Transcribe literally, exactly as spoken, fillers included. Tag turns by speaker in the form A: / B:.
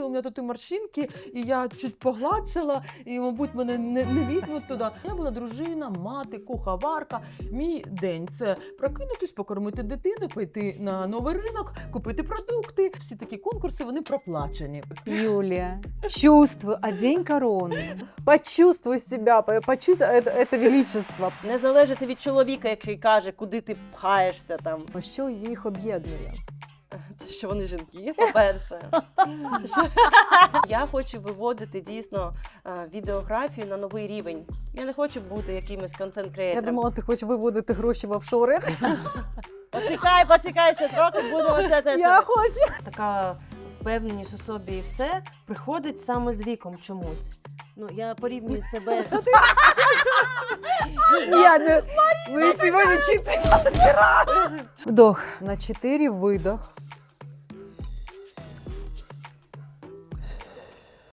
A: у мене тут і морщинки, і я чуть погладшила, і, мабуть, мене не, не візьмуть туди. Я була дружина, мати, куховарка. Мій день – це прокинутись, покормити дитину, пойти на новий ринок, купити продукти. Всі такі конкурси, вони проплачені.
B: Юлия, чувствуй, одень корону. Почувствуй себя, по- почувствуй это, это величество.
C: Не залежати від чоловіка, який каже, куди ти пхаєшся там.
B: Що їх об'єднує?
C: Те, що вони жінки, по-перше. Що- Я хочу виводити дійсно е, відеографію на новий рівень. Я не хочу бути якимось
B: Я
C: контент-креатором.
B: думала, ти хочеш виводити гроші в офшори.
C: Почекай, почекай, ще трохи будемо це теж.
B: Я хочу.
C: Така впевненість у собі і все приходить саме з віком чомусь. Ну, я порівнюю себе.
B: Я не... Ми сьогодні чотири. Вдох. На чотири видох.